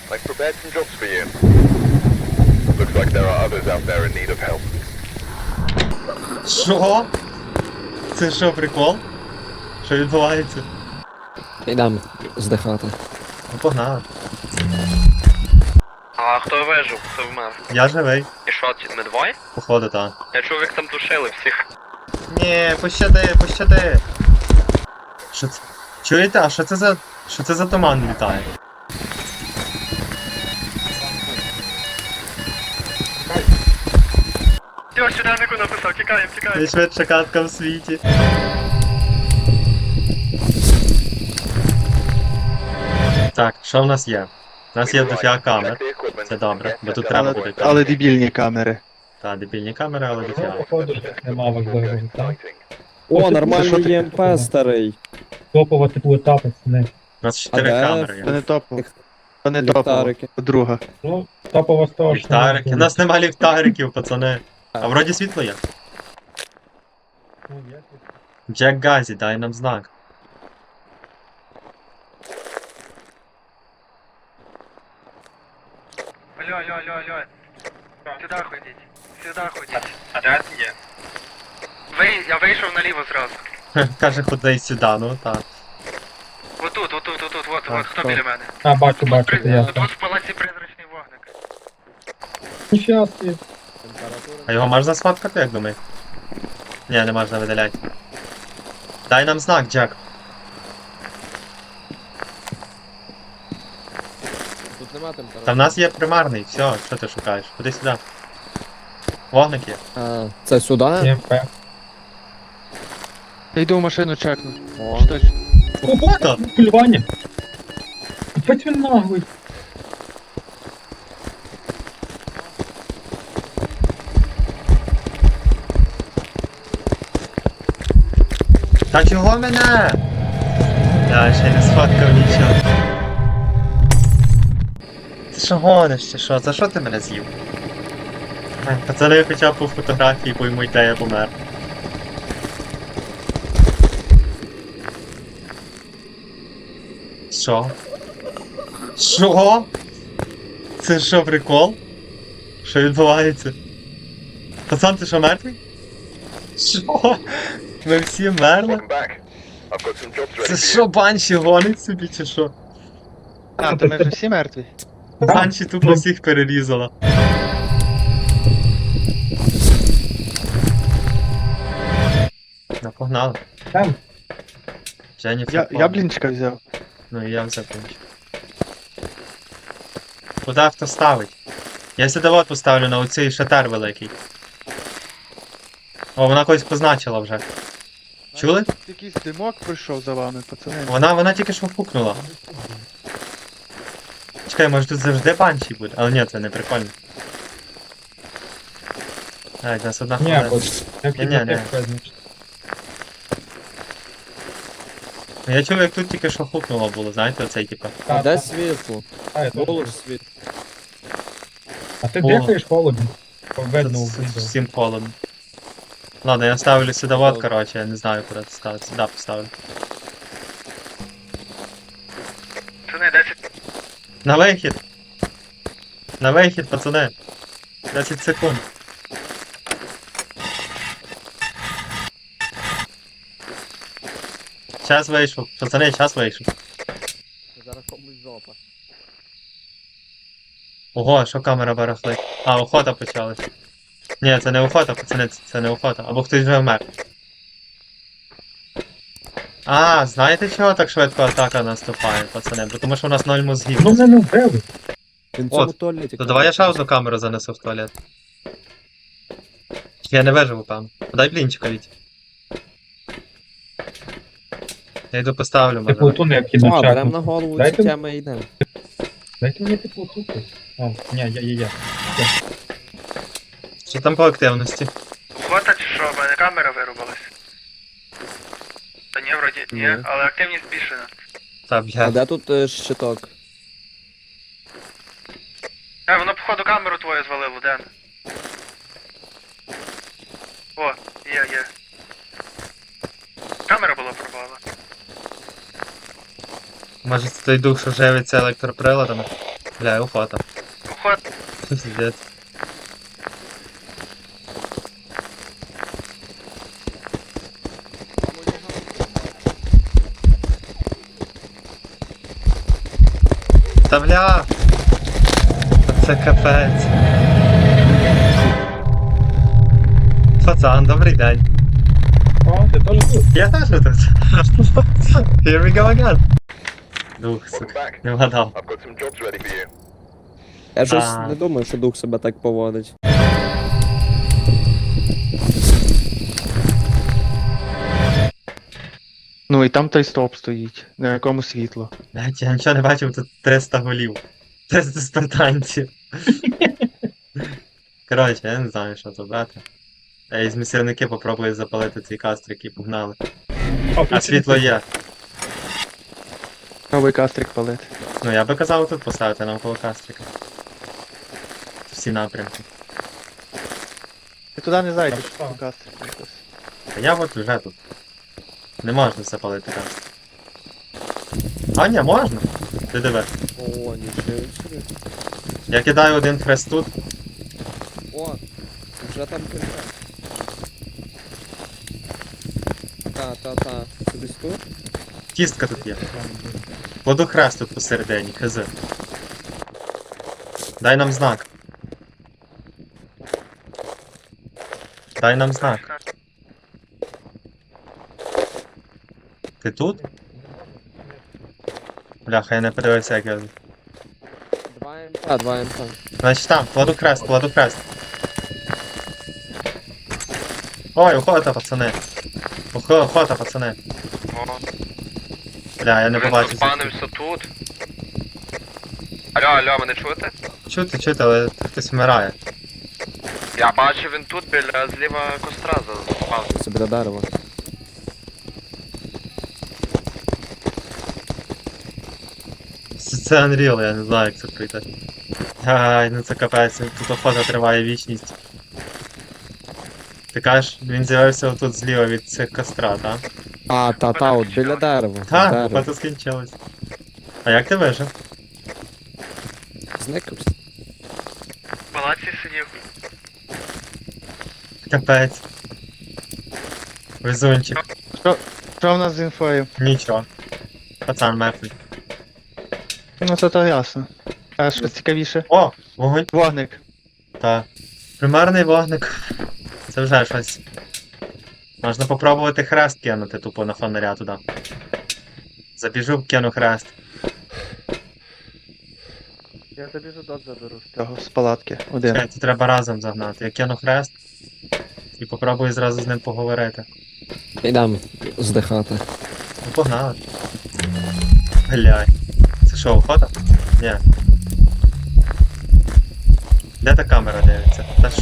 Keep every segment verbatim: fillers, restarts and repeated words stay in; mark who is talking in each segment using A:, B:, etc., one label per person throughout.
A: I've prepared some jobs for you. Looks like there are others out there in need of help.
B: Що? Це що, прикол? Що відбувається?
C: Йдемо здихати.
B: Ну погнали.
D: А хто вижив? Хто вмер?
B: Я живий,
D: І що, ці ми двоє?
B: походу, та.
D: Я чув, як там душили всіх.
B: Ні, пощади, пощади. Що це? Чуєте, а що це за... Що це за туман літає?
D: Йо, щоденнику написав, тікаємо, тікаємо.
B: Найшвидша катка в світі. Так, що в нас є? У нас є дофіга камер.
A: Check the equipment.
B: Це добре, бо тут
A: Get
B: треба
A: the-
B: буде
E: Але
B: камери.
E: дебільні камери.
B: Та, дебільні камери, але дофіга.
F: Походу, їх нема важливого, так?
A: Fighting.
C: О,
F: це
C: нормальний
F: що
C: ЄМП старий.
F: Топова типу етапу, пацани.
B: У нас чотири
C: А де?
B: камери
E: Це
B: є.
E: не топово. Це не топово.
C: Ліхтарики.
E: Друга.
F: Ну, топова з того, що...
B: Ліхтарики. У нас нема ліхтариків, пацани. А вроді світло є.
F: Ну, є тут.
B: Джек Газі, дай нам знак.
D: Алло, алло, алло, алло. Сюда ходіть. Сюда ходіть. А де ти є? Ви, я вийшов наліво зразу.
B: Каже, ходи сюди, ну так.
D: Отут, отут, отут, от,
B: Так,
D: от, хто
B: хто?
D: біля мене?
F: А, бачу, бачу,
D: При-
F: це я.
D: Тут в палаці призрачний вогник.
F: Ніфіга собі.
B: А його можна сфоткати, як думаєш? Ні, не можна видаляти. Дай нам знак, Джек.
C: Тут нема температури.
B: Та в нас є примарний, все, що ти шукаєш? Ходи сюди. Вогник є.
C: А, це сюди?
F: ЄМП.
E: Я йду в машину чекну.
C: О.
E: Щось.
B: Хто?
F: Полювання. Хоть він наглий.
B: Та чого мене? Я ще не сфоткав нічого. Ти що гониш чи що? За що ти мене з'їв? Ай, пацани хоча б по фотографії поймуть, де я помер. Що? Що? Це що, прикол? Що відбувається? Пацан, ти що, мертвий? Що? Ми всі мерли?
A: Welcome back. I've got some jobs ready
B: Це
A: for you.
B: що, банші гонить собі чи що?
E: А, то ми вже всі мертві.
B: Банші тупо всіх перерізала. Ну, погнали.
F: Там.
B: Дженніфер.
E: Я,
B: Коннелі.
E: я блінчика взяв.
B: Ну і я взяв блінчик. Куди авто ставить? Я сюди от поставлю на оцей шатер великий. О, вона когось позначила вже. Чули?
E: Якийсь димок пройшов за вами, пацани.
B: Вона, вона тільки що пукнула. Чекай, може тут завжди банші буде? Але ні, це не прикольно. Ай, в нас одна
F: Ні,
B: хвилина.
F: бо як
B: Ні, ні, ні.
F: значить.
B: Я чув, як тут тільки що хукнуло було, знаєте, оцей типа.
C: А де світло?
F: А, я
C: Було
F: теж.
C: ж світло.
F: А ти
B: Було.
F: дихаєш холодно? Видно у
B: С-
F: відео.
B: Всім холодно. Ладно, я ставлю сюди вот, короче, я не знаю, куди це ставити. Сюди поставлю.
D: Це не десять.
B: На вихід! На вихід, пацани! десять секунд. Час вийшов. Пацани, час вийшов.
C: Зараз комусь жопа.
B: Ого, що камера барахлить. А, охота почалась. Ні, це не охота, пацани, це це не охота. Або хтось вже вмер. А, знаєте чого так швидко атака наступає, пацани? Бо тому що у нас ноль мозгів.
F: Ну мене не вбили.
C: Він в цьому
B: От,
C: туалеті.
B: То давай я ще одну камеру занесу в туалет. Я не виживу, певно. Дай блінчика від. Я йду поставлю,
F: Типу
B: може.
F: ту не
C: А,
F: кіно
C: берем на голову ці
F: Дайте-
C: теми і йдемо.
F: Дайте мені типу ту. А, ні, я, я, я.
B: Що там по активності?
D: Охота чи що? В мене камера вирубалась. Та ні, вроді, ні,
C: Ні.
D: але активність збільшена.
B: Та,
C: А
B: блядь.
C: де тут е, щиток?
D: А, воно походу камеру твою звалило, Ден. О, є, є. Камера була пропала.
B: Може це той дух, що живиться електроприладами? Бля, охота.
D: Уход.
B: Пиздец. Та бля! Це капець. Пацан, добрий день.
F: О, ти теж тут?
B: Я теж тут. Here we go again. Дух,
A: Welcome
B: сука,
A: back.
B: не вгадав.
A: I've got some jobs ready for you.
C: Я щось
B: А.
C: не думаю, що дух себе так поводить.
E: Ну і там той стовп стоїть, на якому світло.
B: Блять, я нічого не бачив, тут триста голів. триста спартанців. Коротше, я не знаю, що тут брати. Я із місірники попробую запалити цей кастрик і погнали.
F: О,
B: А світло є.
E: Новий кастрик палити.
B: Ну я би казав тут поставити навколо кастрика. Всі напрямки.
E: Ти туди не зайдеш,
F: Так,
E: по кастрику якось.
B: А я от вже тут. Не можна запалити кастрик. А ні, можна. Ти диви.
C: О, нічого собі.
B: Я кидаю один хрест тут.
C: О, вже там кілька. Та, та, та. Це десь тут?
B: Кістка тут є. Кладу хрест тут посередині, хз. Дай нам знак. Дай нам знак. Ти тут? Бляха, я не подивився, як я.
C: Два МП, два МП.
B: Значить там, кладу хрест, кладу хрест. Ой, охота, пацани. Охо- Охота, пацани.
D: О,
B: Бля, я не
D: він
B: побачив. звідки.
D: заспанився тут. Алло, алло, мене чути?
B: Чути, чути, але хтось вмирає.
D: Я бачу, він тут біля зліва костра заспав.
C: Це біля дерева.
B: Це це Unreal, я не знаю, як це пройти. Ай, ну це капець, тут охота триває вічність. Ти кажеш, він з'явився отут зліва від цих костра, так?
C: А, та, та, от біля дерева.
B: Так,
C: Дерево.
B: охота скінчилась. А як ти вижив?
C: Зникався.
D: В палаці сидів.
B: Капець. Везунчик.
E: Що в нас з інфою?
B: Нічого. Пацан мертвий.
E: Ну це то ясно. А що цікавіше?
B: О, вогонь.
E: Вогник.
B: Так. Примарний вогник. Це вже щось. Можна попробувати хрест кинути тупо на фонаря туди. Забіжу, кину хрест.
E: Я забіжу дот заберу з цього, з палатки. Один.
B: Чекай, це треба разом загнати. Я кину хрест і попробую зразу з ним поговорити.
C: Йдемо здихати.
B: Ну погнали. Блядь. Це що, охота? Ні. Де та камера дивиться? Та ж.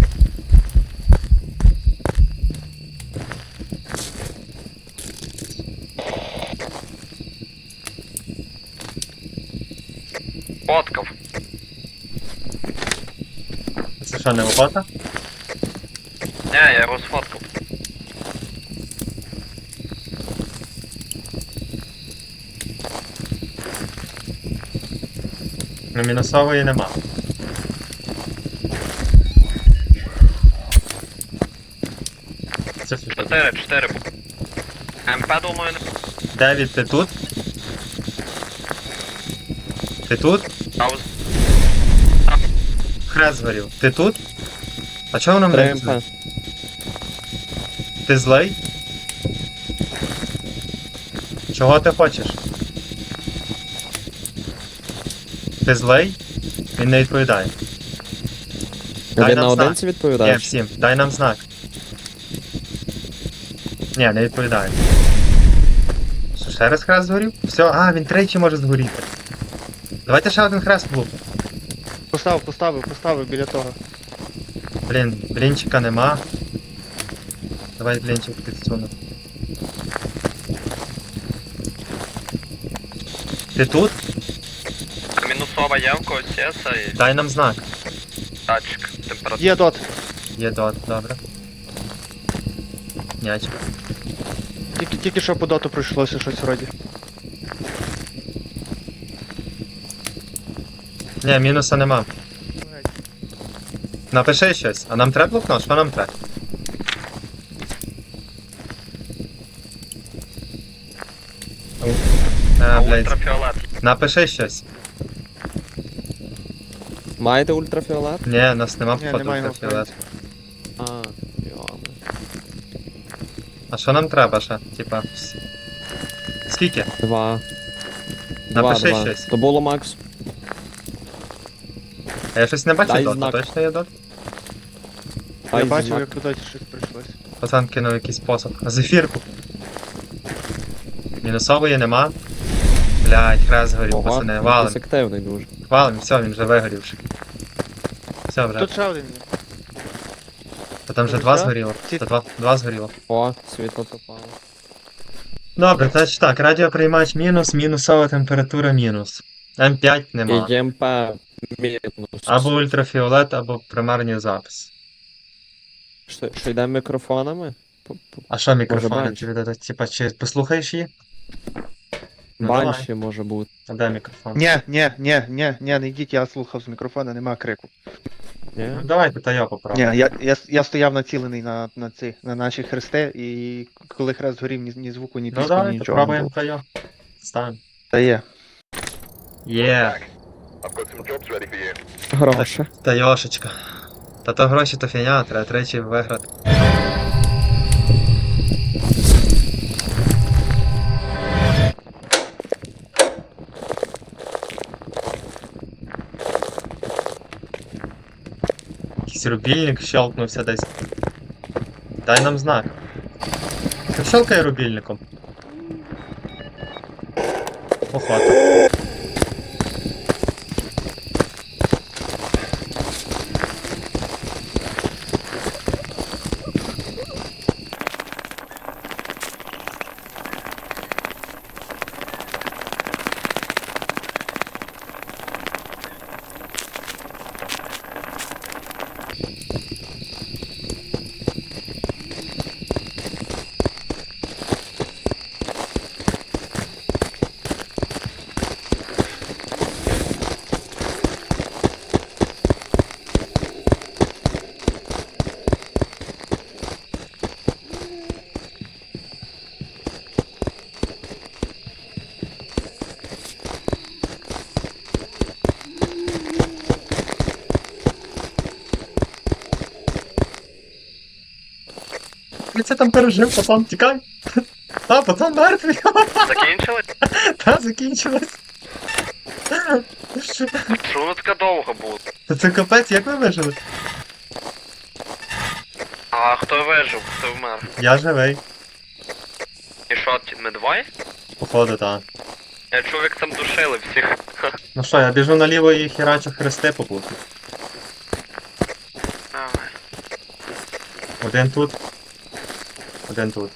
D: Фоткав.
B: Це що, не охота?
D: Не, я його сфоткав.
B: Ну мінусової нема. Це що?
D: Чотири, чотири. МП, думаю, не
B: Девід, ти тут? Ти тут?
D: пауз.
B: Хрест згорів. Ти тут? А чого воно
C: Три
B: мене?
C: МП.
B: Ти злий? Чого ти хочеш? Ти злий? Він не відповідає. Дай
C: Він
B: нам
C: наодинці
B: Ні,
C: відповідає?
B: всім, дай нам знак. Ні, не відповідає. Що, ще раз хрест згорів? Все, а, він тричі може згоріти. Давайте ще один хрест влупимо.
E: Постав, поставив, поставив біля того.
B: Блін, блінчика нема. Давай блінчик підсуну. Ти тут?
D: Мінусова є в когось є цей
B: Дай нам знак.
D: датчик температури.
E: Є дот.
B: Є дот, добре. Нячка.
E: Тільки, тільки що по доту пройшлося щось вроді.
B: Ні, мінуса нема. Напиши щось. А нам треба блокнот? Що нам треба? А, блядь.
D: Ультрафіолет.
B: Напиши щось.
C: Маєте ультрафіолет?
B: Ні, у нас нема
E: Ні,
B: походу
E: немає його, в
B: ультрафіолет.
C: А, йоми.
B: А що нам треба ще? Типа. с- Скільки?
C: Два. Два,
B: Напиши
C: два.
B: щось.
C: То було макс.
B: А я щось не бачу
C: Дай
B: дота,
C: знак.
B: точно є дот?
E: Я
C: Ай,
E: бачив,
C: знак.
E: як туди щось прийшлось.
B: Пацан кинув якийсь посох. Зефірку. Мінусової нема. Блядь, хрест згорів,
C: Ого,
B: пацани. Валим.
C: якийсь активний дуже.
B: Валим, все, він вже вигорівши. Все вже.
E: Тут ще один є.
B: Та там вже
E: Тут
B: два
E: що?
B: згоріло.
E: Ці-
B: Та два, два згоріло.
C: О, світло пропало.
B: Добре, значить так, радіоприймач мінус, мінусова температура мінус. М п'ять нема.
C: І ЄМП мінус.
B: Або ультрафіолет, або примарний запис.
C: Що, що йде мікрофонами? П- п-
B: А що мікрофони?
C: банші.
B: Чи, від- типа, чи послухаєш її? Ну,
C: Банші може бути.
B: А де мікрофон?
E: Ні, ні, ні, ні, ні, не йдіть, я слухав з мікрофона, нема крику.
C: Ні?
B: Ну, давайте та я попробую.
E: Ні, я, я, я стояв націлений на, на ці, на наші хрести, і коли хрест горів, ні, ні звуку, ні
B: Ну
E: піску, ні
B: давайте,
E: нічого не
B: пробуємо
E: було.
B: та я. Ставимо.
E: Та є.
B: Є,
A: I've got some jobs ready for you.
C: Гроші.
B: та йошечка. Та то гроші то фігня, треба тричі виграти. Якийсь рубільник щелкнувся десь. Дай нам знак. Ти щелкай рубільником. Охота. Ти це там пережив, пацан, тікай. А, пацан мертвий.
D: Закінчили?
B: Та, закінчилось.
D: Що воно таке довго було?
B: Та це капець, як ви вижили?
D: А хто вижив? Хто вмер?
B: Я живий.
D: І що, ті- ми двоє?
B: Походу, так.
D: Я чув, як там душили всіх.
B: Ну що, я біжу наліво і херачу хрести попутно.
D: Давай.
B: Один тут. Один тут.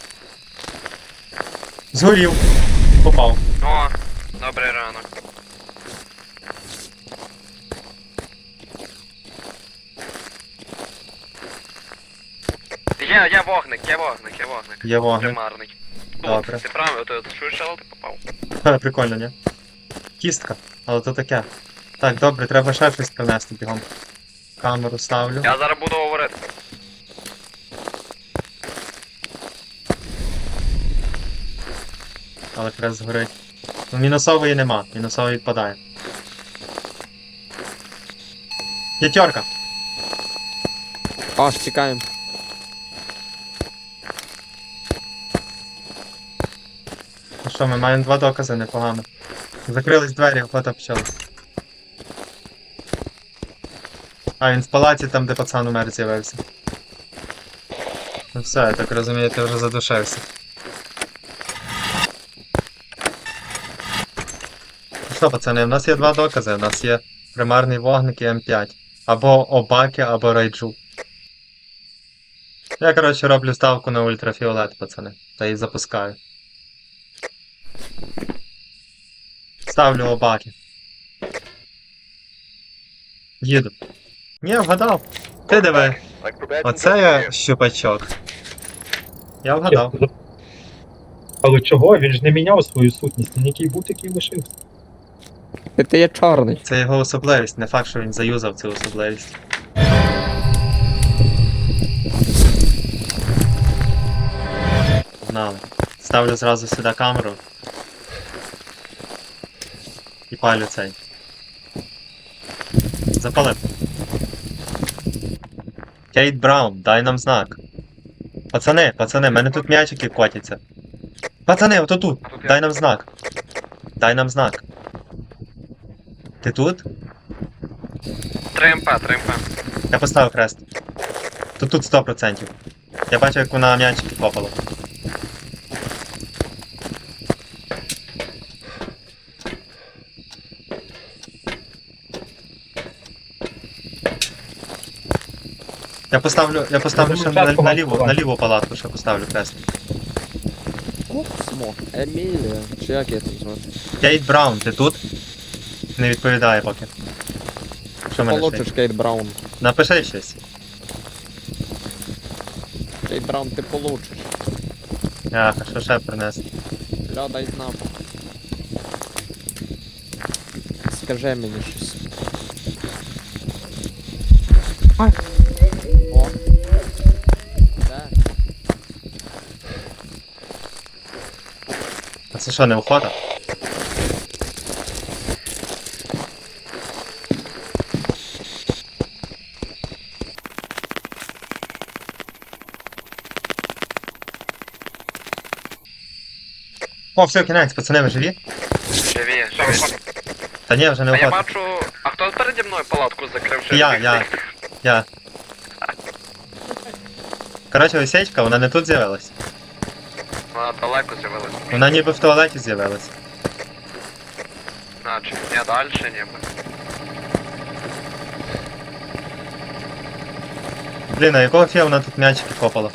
B: Згорів. Попав.
D: О, добрий ранок. Є, є вогник, є вогник, є вогник.
B: Є вогник.
D: Примарний. Тут,
B: Добре.
D: ти правий, ти чуєш, але ти попав.
B: Ха, прикольно, ні? Кістка. Але то таке. Так, добре, треба ще щось принести бігом. Камеру ставлю.
D: Я зараз буду говорити.
B: Але хрест згорить. Ну, мінусової нема, мінусової відпадає. П'ятерка.
C: Аж тікаємо.
B: Ну що, ми маємо два докази непогано. Закрились двері, охота почалась. А, він в палаці там, де пацан умер з'явився. Ну все, я так розумію, ти вже задушився. Ну що, пацани, в нас є два докази. У нас є примарний вогник і М п'ять. Або Обаки, або Райджу. Я, коротше, роблю ставку на ультрафіолет, пацани. Та і запускаю. Ставлю Обаки. Їду. Ні, вгадав. Ти диви.
A: I've prepared some
B: Оце
A: jobs for
B: я
A: you.
B: щупачок. Я вгадав.
F: Але чого? Він ж не міняв свою сутність, він який був, такий лишився.
C: Ти, ти є чорний.
B: Це його особливість, не факт, що він заюзав цю особливість. Погнали. Ставлю зразу сюди камеру. І палю цей. Запалив. Кейт Браун, дай нам знак. Пацани, пацани, в мене тут м'ячики котяться. Пацани, ото тут.
D: А тут я.
B: Дай нам знак. Дай нам знак. Ти тут?
D: три МП, три МП.
B: Я поставив хрест. Тут тут сто процентів. Я бачу, як вона м'ячики попала. Я поставлю, я поставлю ще на, на, ліву, на ліву палатку, ще поставлю хрест.
C: Космо. Емілія. Чи як я тут звати?
B: Кейт Браун, ти тут? Не відповідає поки. Що мене
C: Получиш
B: ще?
C: Кейт Браун.
B: Напиши щось.
C: Кейт Браун ти получиш.
B: Яха, що ще принести?
C: Ля, дай знак. Скажи мені щось. О. Де?
B: А це що, не охота? О, все, кінець, пацани, ви живі?
D: Живі, живі.
B: Та ні, вже не
D: А я
B: охота.
D: бачу... А хто переді мною палатку закрив? Що
B: Я,
D: всіх
B: я.
D: цих?
B: Я. Коротше, осечка, вона не тут з'явилась.
D: Вона далеко з'явилась.
B: Вона ніби в туалеті з'явилась.
D: Значить, ні, дальше ніби.
B: Блін, а якого фіга вона тут м'ячики копала?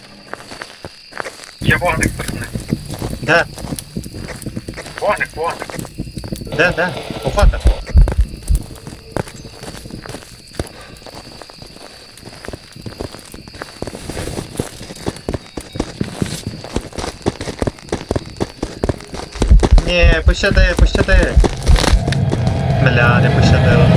F: Є вогник, пацани.
B: Де?
F: Вогник, вогник.
B: Де, де? Охота. Ні, пощади, пощади. Бля, не пощадила.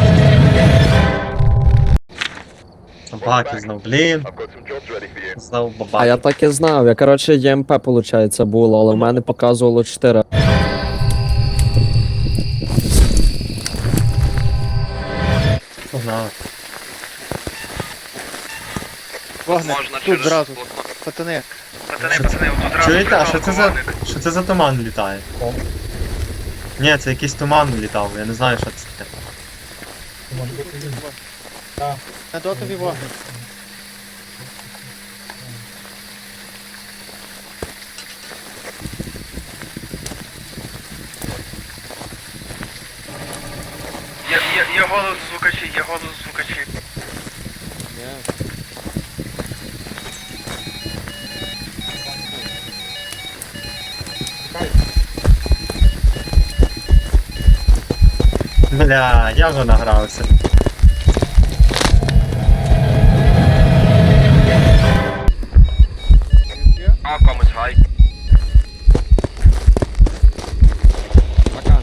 B: Собаки знов, блін.
A: I've got some jobs ready for you.
B: Знов
C: А
B: бабаки.
C: я так і знав. Я, коротше, ЄМП, виходить, було, але в мене показувало чотири.
B: Погнали.
E: Вогник,
D: Можна
E: тут
D: через
E: зразу.
D: блокнот.
E: Пацани,
D: Пацани,
B: Що
D: пацани, отут зразу
B: Чуєте, а що
D: прикол,
B: це за.
D: вогник.
B: Що це за туман літає?
F: О.
B: Ні, це якийсь туман літав, я не знаю, що це таке.
F: Це може бути він.
E: на дотові вогник.
D: Є, є, є голос звукачі, є голос звукачі.
C: Ні.
B: Бля, я вже награвся.
D: А, комусь гай.
C: Пока.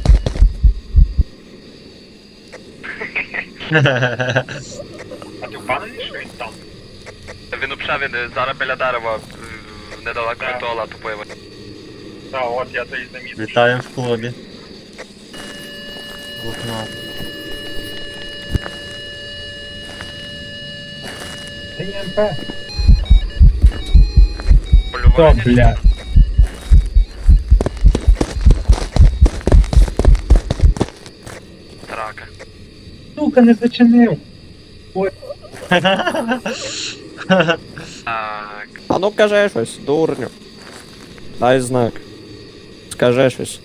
F: А ти впевнений, що він там?
D: Він взагалі він зараз біля дерева е, недалеко від туалету появився.
F: Так, от я це і замітив.
B: Вітаємо в клубі. Блокнот.
F: Це є МП. О,
D: Полювання.
F: бля.
D: Рака.
F: Сука, не зачинив.
D: Так.
C: А ну кажи щось, дурню. Дай знак. Скажи щось.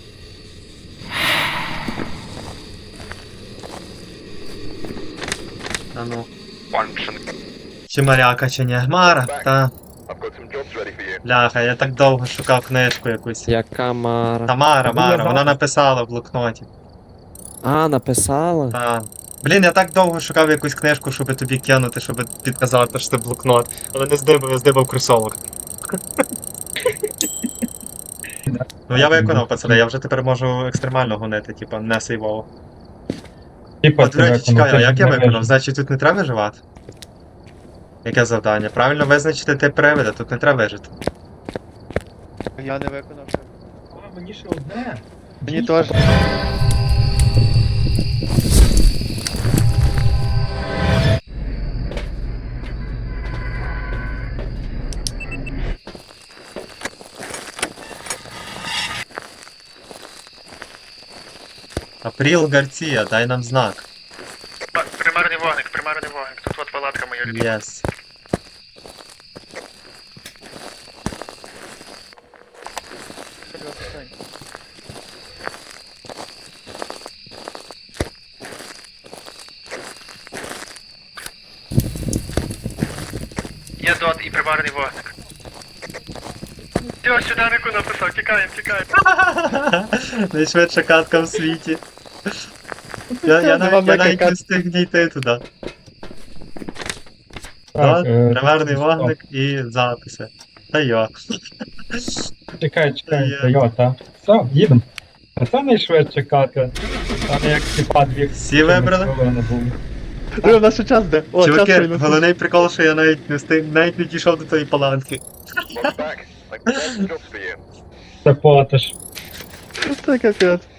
B: А ну.
D: Паншин.
B: Чи моряка, чи ні? Мара, та.
A: I've got some jobs ready for you.
B: Бляха, я так довго шукав книжку якусь.
C: Яка Мара.
B: Та Мара,
F: Ну, я
B: Мара,
F: бачу.
B: вона написала в блокноті.
C: А, написала?
B: Та. Блін, я так довго шукав якусь книжку, щоб тобі кинути, щоб підказати, що це блокнот. Але не здибав, я здибав кросовок. Ну я виконав, пацани, я вже тепер можу екстремально гонити, типа не сейвово.
F: Типа,
B: От, до речі, чекай, а як я виконав?
F: виконав?
B: Значить тут не треба виживати? Яке завдання? Правильно визначити тип привида, тут не треба вижити.
E: Я не виконав.
F: А, мені ще одне.
E: Мені
F: Дійсно.
E: теж.
B: Апріл Гарція, дай нам знак.
D: Примарний вогник, примарний вогник. Тут от палатка моя любима.
B: Єс.
D: Є дот і примарний вогник. Все, сюди Нику написав, тікаємо, тікаємо.
B: Найшвидша катка в світі. Я, я, навіть, я навіть не встиг дійти туди.
F: Так,
B: Так,
F: е,
B: примарний
F: стоп.
B: вогник і записи. Та йо.
F: Чекай, чекай,
B: Є.
F: Тойота. Все, їдемо. А це найшвидша катка. Там як типа дві
B: Всі вибрали?
F: хвилини було.
E: Диви, у нас ще час де. О, час
B: Чуваки,
E: прийняв.
B: головний прикол, що я навіть не встиг, навіть не дійшов до тої паланки.
A: Welcome back. Like the best jobs for you.
F: Це потиш.
E: Це капець.